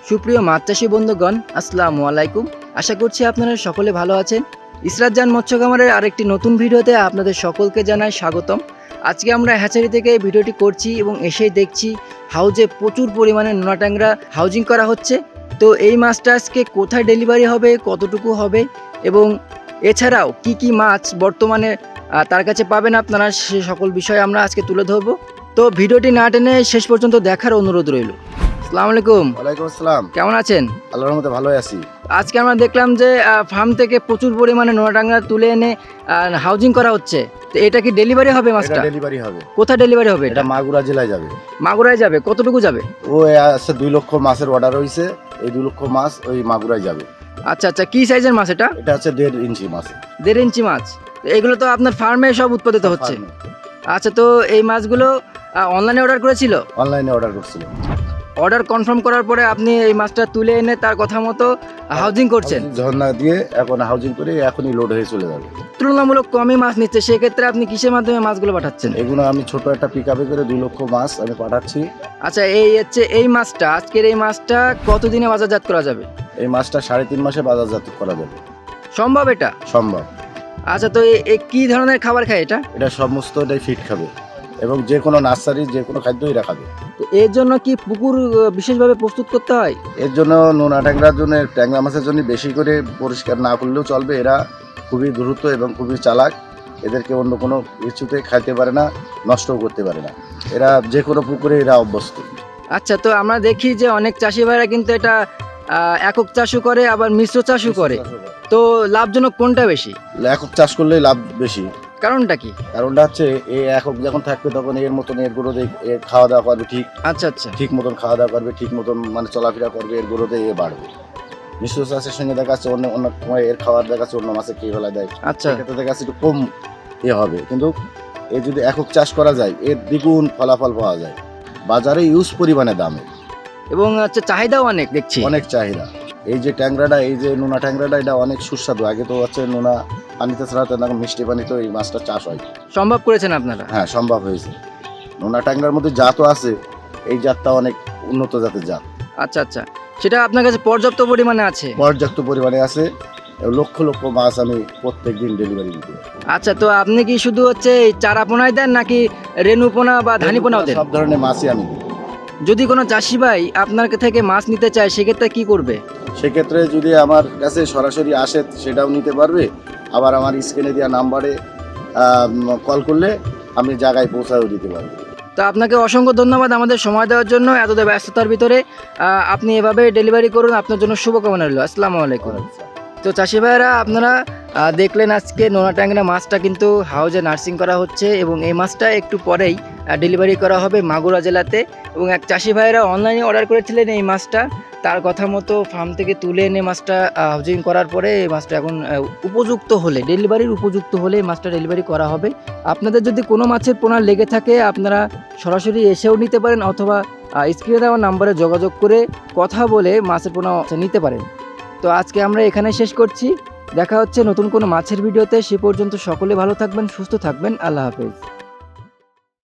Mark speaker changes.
Speaker 1: সুপ্রিয় মাছ চাষী বন্ধুগণ, আসসালামু আলাইকুম। আশা করছি আপনারা সকলে ভালো আছেন। ইসরাত জান মৎস্য খামারের আরেকটি নতুন ভিডিওতে আপনাদের সকলকে জানাই স্বাগতম। আজকে আমরা হ্যাচারি থেকে ভিডিওটি করছি এবং এসেই দেখছি হাউজে প্রচুর পরিমাণে নোনা ট্যাংরা হাউজিং করা হচ্ছে। তো এই মাছটা আজকে কোথায় ডেলিভারি হবে, কতটুকু হবে এবং এছাড়াও কি কি মাছ বর্তমানে তার কাছে পাবেন আপনারা, সে সকল বিষয় আমরা আজকে তুলে ধরবো। তো ভিডিওটি না টেনে শেষ পর্যন্ত দেখার অনুরোধ রইল। আসসালামু আলাইকুম।
Speaker 2: ওয়ালাইকুম আসসালাম।
Speaker 1: কেমন আছেন?
Speaker 2: আল্লাহর রহমতে ভালোই আছি।
Speaker 1: আজকে আমরা দেখলাম যে ফার্ম থেকে প্রচুর পরিমাণে নোনা ট্যাংরা তুলে এনে হাউজিং করা হচ্ছে। তো এটা কি ডেলিভারি হবে মাছটা?
Speaker 2: এটা ডেলিভারি হবে।
Speaker 1: কোথায় ডেলিভারি হবে
Speaker 2: এটা
Speaker 1: এটা?
Speaker 2: মাগুরা জেলায় যাবে।
Speaker 1: মাগুরায় যাবে? কতটুকু যাবে?
Speaker 2: ও আছে 2 লক্ষ মাছের অর্ডার হইছে। এই 2 লক্ষ মাছ ওই মাগুরায় যাবে।
Speaker 1: আচ্ছা আচ্ছা, কি সাইজের মাছ এটা?
Speaker 2: এটা হচ্ছে 1.5 ইঞ্চি মাছ।
Speaker 1: 1.5 ইঞ্চি মাছ। তো এগুলো তো আপনার ফার্মে সব উৎপাদিত হচ্ছে। আচ্ছা, তো এই মাছগুলো অনলাইনে অর্ডার করেছিল?
Speaker 2: অনলাইনে অর্ডার করছিল।
Speaker 1: অর্ডার কনফার্ম করার পরে আপনি এই মাছটা তুলে এনে তার কথা মতো হাউজিং করছেন?
Speaker 2: ঝর্ণা দিয়ে এখন হাউজিং করে এখনই লোড হয়ে চলে যাবে।
Speaker 1: তুলনামূলক কমই মাছ নিচ্ছে, সেক্ষেত্রে আপনি কিসের মাধ্যমে মাছগুলো পাঠাচ্ছেন?
Speaker 2: এগুলো আমি ছোট একটা পিকআপে করে 2 লক্ষ মাছ আমি পাঠাচ্ছি।
Speaker 1: আচ্ছা, এই হচ্ছে এই মাছটা, আজকের এই মাছটা কতদিনে বাজারজাত করা যাবে?
Speaker 2: এই মাছটা 3.5 মাসে বাজারজাত করা যাবে।
Speaker 1: সম্ভব এটা?
Speaker 2: সম্ভব।
Speaker 1: আচ্ছা, তো কি ধরনের খাবার খায় এটা?
Speaker 2: এটা সমস্তটাই ফিট খাবে এবং যে কোনো নার্সারি যে কোনো খাদ্যই এরা খাবে।
Speaker 1: তো এর জন্য কি পুকুর বিশেষভাবে প্রস্তুত করতে হয়?
Speaker 2: এর জন্য নোনা ট্যাংরার জন্য, ট্যাংরা মাছের জন্য বেশি করে পরিষ্কার না করলেও চলবে। এরা খুবই দ্রুত এবং খুবই চালাক। এদেরকে অন্য কোনো কিছুতে খাইতে পারে না, নষ্টও করতে পারে না। এরা যে কোনো পুকুরে এরা অভ্যস্ত।
Speaker 1: আচ্ছা, তো আমরা দেখি যে অনেক চাষি ভাইরা কিন্তু এটা একক চাষও করে, আবার মিশ্র চাষও করে। তো লাভজনক কোনটা বেশি?
Speaker 2: একক চাষ করলেই লাভ বেশি।
Speaker 1: কারণটা কি?
Speaker 2: কারণটা হচ্ছে এ একক যখন থাকবে তখন এর মতন এর গরুতে এর খাওয়া দাওয়া করবে ঠিক।
Speaker 1: আচ্ছা আচ্ছা,
Speaker 2: ঠিক মতন খাওয়া দাওয়া করবে, ঠিক মতন মানে চলাফেরা করবে, এর গরুতে এ বাড়বে। মিশ্র চাষের সঙ্গে দেখা যাচ্ছে অন্য অন্য সময় এর খাওয়ার দেখা যাচ্ছে অন্য মাছে খেয়ে ফেলা দেয়।
Speaker 1: আচ্ছা,
Speaker 2: সেক্ষেত্রে দেখা যাচ্ছে একটু কম হবে, কিন্তু এ যদি একক চাষ করা যায় এর দ্বিগুণ ফলাফল পাওয়া যায়। বাজারে ইউজ পরিমাণে দামে
Speaker 1: এবং হচ্ছে চাহিদাও অনেক দেখছি।
Speaker 2: অনেক চাহিদা। এই যে ট্যাংরাটা, এই যে নোনা ট্যাংরাটা, এটা অনেক সুস্বাদু। আগে তো হচ্ছে নোনা পানিতে ছাড়াতে না, মিষ্টি পানিতে এই মাছটা চাষ হয়।
Speaker 1: সম্ভব করেছেন আপনারা?
Speaker 2: হ্যাঁ, সম্ভব হয়েছে। নোনা ট্যাংরার মধ্যে জাতও আছে, এই জাতটা অনেক উন্নত জাতের জাত।
Speaker 1: আচ্ছা আচ্ছা, সেটা আপনার কাছে পর্যাপ্ত পরিমাণে আছে?
Speaker 2: পর্যাপ্ত পরিমাণে আছে। লক্ষ লক্ষ মাছ আমি প্রত্যেক দিন ডেলিভারি দিতে।
Speaker 1: আচ্ছা, তো আপনি কি শুধু হচ্ছে এই চারা পোনায় দেন নাকি রেণুপোনা বা ধানিপোনাও দেন?
Speaker 2: সব ধরনের মাছই আমি দিই।
Speaker 1: যদি কোনো চাষি ভাই আপনার থেকে মাছ নিতে চায় সেক্ষেত্রে কি করবে?
Speaker 2: সেক্ষেত্রে যদি আমার কাছে সরাসরি আসে সেটাও নিতে পারবে, আবার আমার স্ক্রিনে দেওয়া নাম্বারে কল করলে আমি জায়গায় পৌঁছাও দিতে পারবো।
Speaker 1: তো আপনাকে অসংখ্য ধন্যবাদ আমাদের সময় দেওয়ার জন্য। এতটা ব্যস্ততার ভিতরে আপনি এভাবে ডেলিভারি করুন, আপনার জন্য শুভকামনা রইল। আসসালামু আলাইকুম। তো চাষি ভাইয়েরা, আপনারা দেখলেন আজকে নোনা ট্যাংরা মাছটা কিন্তু হাউজে নার্সিং করা হচ্ছে এবং এই মাছটা একটু পরেই ডেলিভারি করা হবে মাগুরা জেলাতে। এবং এক চাষি ভাইয়েরা অনলাইনে অর্ডার করেছিলেন এই মাছটা, তার কথা মতো ফার্ম থেকে তুলে এনে মাছটা হাউজিং করার পরে এই মাছটা এখন উপযুক্ত হলে, ডেলিভারির উপযুক্ত হলে এই মাছটা ডেলিভারি করা হবে। আপনাদের যদি কোনো মাছের পোনা লেগে থাকে আপনারা সরাসরি এসেও নিতে পারেন, অথবা স্ক্রিনে দেওয়া নাম্বারে যোগাযোগ করে কথা বলে মাছের পোনা নিতে পারেন। তো আজকে আমরা এখানে শেষ করছি। দেখা হচ্ছে নতুন কোনো মাছের ভিডিওতে। সে পর্যন্ত সকলে ভালো থাকবেন, সুস্থ থাকবেন। আল্লাহ হাফেজ।